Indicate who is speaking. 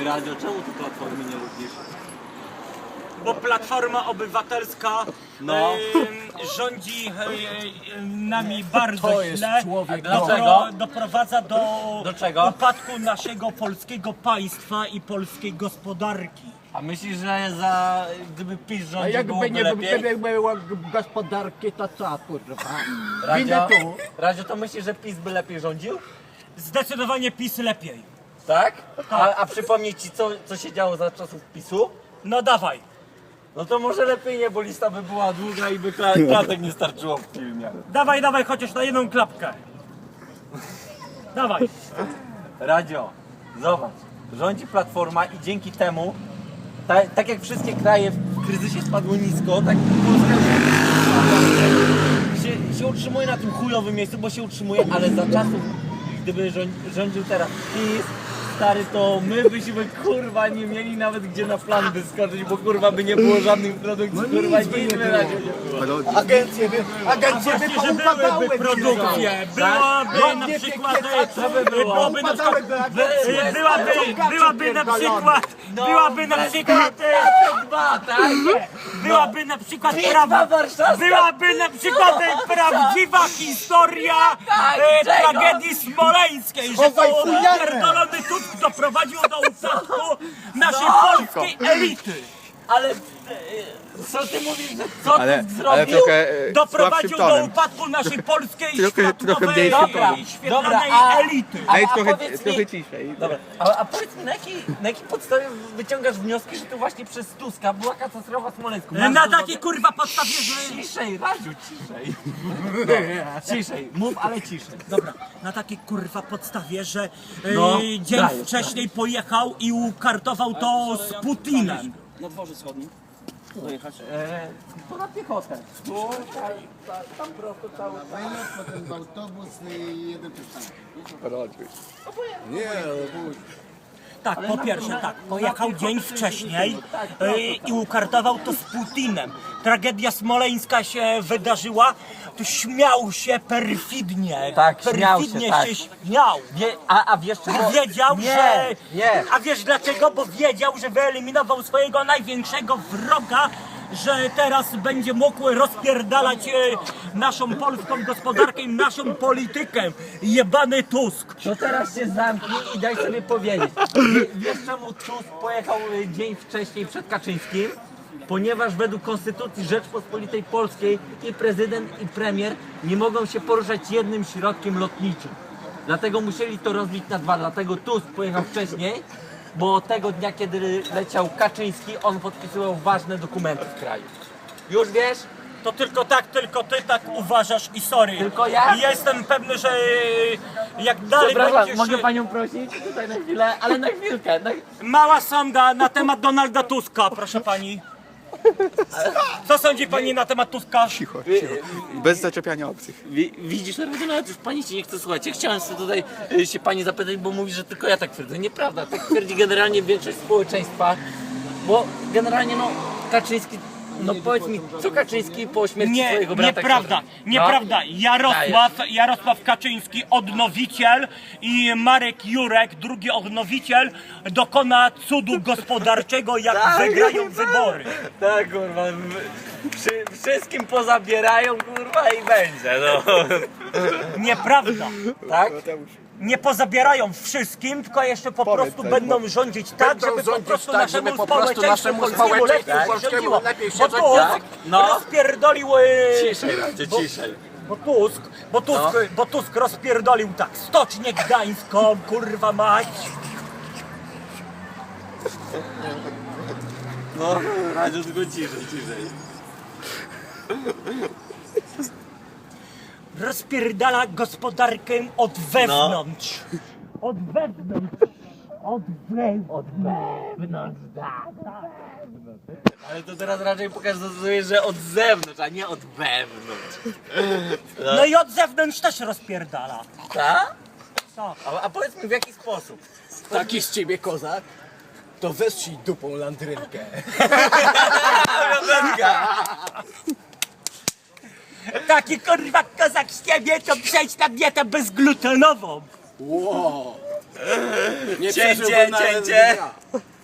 Speaker 1: Radio, czemu ty Platformy nie lubisz?
Speaker 2: Bo Platforma Obywatelska rządzi nami bardzo źle. Doprowadza do
Speaker 1: czego?
Speaker 2: upadku naszego polskiego państwa i polskiej gospodarki.
Speaker 1: A myślisz, że gdyby PiS
Speaker 3: A
Speaker 1: rządził
Speaker 3: jakby
Speaker 1: byłoby
Speaker 3: nie
Speaker 1: lepiej?
Speaker 3: było gospodarki, to co, kurwa?
Speaker 1: Radio, Radio, to myślisz, że PiS by lepiej rządził?
Speaker 2: Zdecydowanie PiS lepiej.
Speaker 1: Tak? A przypomnij ci, co się działo za czasów PiS-u?
Speaker 2: No dawaj.
Speaker 1: No to może lepiej nie, bo lista by była długa i by klatek nie starczyło w filmie.
Speaker 2: Dawaj, dawaj, chociaż na jedną klapkę. Dawaj.
Speaker 1: Radio, zobacz, rządzi Platforma i dzięki temu, tak jak wszystkie kraje w kryzysie spadło nisko, tak Polska się utrzymuje na tym chujowym miejscu, bo się utrzymuje, ale za czasów, gdyby rządził teraz PiS, stary, to my byśmy kurwa nie mieli nawet gdzie na plan wyskoczyć, bo kurwa by nie było żadnych produktów, kurwa nic by na razie nie było.
Speaker 3: Agencje by
Speaker 2: Właśnie, że byłyby produkcje, byłaby na przykład, byłaby na przykład, byłaby na przykład, byłaby na przykład,
Speaker 1: Dwa, tak?
Speaker 2: byłaby na przykład,
Speaker 1: Bitwa warszawska.
Speaker 2: byłaby na przykład prawdziwa historia
Speaker 1: czego?
Speaker 2: tragedii smoleńskiej, że to pierdolony Tusk doprowadził do upadku naszej polskiej elity.
Speaker 1: Ale co ty mówisz, że co
Speaker 4: Ale
Speaker 1: ty zrobił?
Speaker 4: trochę
Speaker 2: Doprowadził
Speaker 4: słabszym
Speaker 2: do
Speaker 4: tonem.
Speaker 2: upadku naszej polskiej
Speaker 4: Trochę
Speaker 2: światowej
Speaker 4: mniejszy
Speaker 1: ton.
Speaker 2: świetlanej
Speaker 1: Dobra,
Speaker 2: elity.
Speaker 4: Ej,
Speaker 1: powiedz mi-
Speaker 4: trochę ciszej.
Speaker 1: Dobra, a powiedz mi, na jakiej podstawie wyciągasz wnioski, że to właśnie przez Tuska była katastrofa smoleńska?
Speaker 2: Na takiej kurwa podstawie, że...
Speaker 1: Ciszej, Radziu, ciszej. Ciszej, mów, ale ciszej.
Speaker 2: Dobra, na takiej kurwa podstawie, że
Speaker 1: No,
Speaker 2: dzień
Speaker 1: dajesz,
Speaker 2: wcześniej pojechał i ukartował to z Putinem.
Speaker 5: Na dworze wschodnim. Dojechać.
Speaker 1: To na piechotę.
Speaker 6: Tam prosto cały potem w autobus i jeden przystanek. Nie,
Speaker 2: Tak, po pierwsze tak, pojechał dzień wcześniej i ukartował to z Putinem. Tragedia smoleńska się wydarzyła, to śmiał się perfidnie.
Speaker 1: Tak, śmiał się,
Speaker 2: perfidnie
Speaker 1: tak.
Speaker 2: się śmiał.
Speaker 1: A wiesz czego?
Speaker 2: Wiedział,
Speaker 1: Nie,
Speaker 2: że...
Speaker 1: nie.
Speaker 2: A wiesz dlaczego? Bo wiedział, że wyeliminował swojego największego wroga, że teraz będzie mógł rozpierdalać naszą polską gospodarkę i naszą politykę. Jebany Tusk.
Speaker 1: To teraz się zamknij i daj sobie powiedzieć. Wiesz czemu Tusk pojechał dzień wcześniej przed Kaczyńskim? Ponieważ według Konstytucji Rzeczpospolitej Polskiej i prezydent i premier nie mogą się poruszać jednym środkiem lotniczym. Dlatego musieli to rozbić na dwa. Dlatego Tusk pojechał wcześniej, bo tego dnia, kiedy leciał Kaczyński, on podpisywał ważne dokumenty w kraju. Już wiesz?
Speaker 2: To tylko ty tak uważasz i sorry.
Speaker 1: Tylko ja?
Speaker 2: I jestem pewny, że jak dalej
Speaker 1: Przepraszam,
Speaker 2: będziesz...
Speaker 1: mogę panią prosić tutaj na chwilę, ale na chwilkę.
Speaker 2: Mała sonda na temat Donalda Tuska, proszę pani. Co sądzi pani na temat Tuska?
Speaker 4: Cicho, cicho. Bez zaczepiania obcych.
Speaker 1: Widzisz, nawet już pani się nie chce słuchać. Ja chciałem sobie tutaj się pani zapytać, bo mówi, że tylko ja tak twierdzę. Nieprawda, tak twierdzi generalnie większość społeczeństwa, bo generalnie no Kaczyński, no powiedz mi, co Kaczyński po śmierci swojego brata...
Speaker 2: Nieprawda, nieprawda.
Speaker 1: No.
Speaker 2: Jarosław Kaczyński, odnowiciel i Marek Jurek, drugi odnowiciel, dokona cudu gospodarczego, jak wygrają wybory.
Speaker 1: Tak, kurwa, wszystkim pozabierają, kurwa, i będzie, no.
Speaker 2: Nieprawda.
Speaker 1: Tak?
Speaker 2: Nie pozabierają wszystkim, tylko jeszcze po prostu będą rządzić tak, żeby po prostu naszemu społeczeństwu polskiemu lepiej się rządziło. Bo Tusk
Speaker 1: No.
Speaker 2: rozpierdolił...
Speaker 1: Ciszej, Radzie, ciszej.
Speaker 2: Bo Tusk rozpierdolił tak, Stocznię Gdańską, kurwa mać.
Speaker 1: No, Radziu, tylko ciszej.
Speaker 2: Rozpierdala gospodarkę od wewnątrz. Od wewnątrz. Od wewnątrz.
Speaker 1: Ale to teraz raczej pokazuje, że od zewnątrz, a nie od wewnątrz.
Speaker 2: No i od zewnątrz też rozpierdala.
Speaker 1: Tak?
Speaker 2: Tak.
Speaker 1: A powiedz mi, w jaki sposób?
Speaker 3: Taki z ciebie kozak, to westrzyj dupą landrynkę.
Speaker 2: Taki kurwa kozak z ciebie to przejdź na dietę bezglutenową.
Speaker 3: Wow. Nie
Speaker 5: Cięcie,
Speaker 3: przeżyłbym nawet
Speaker 5: cięcie.
Speaker 3: dnia.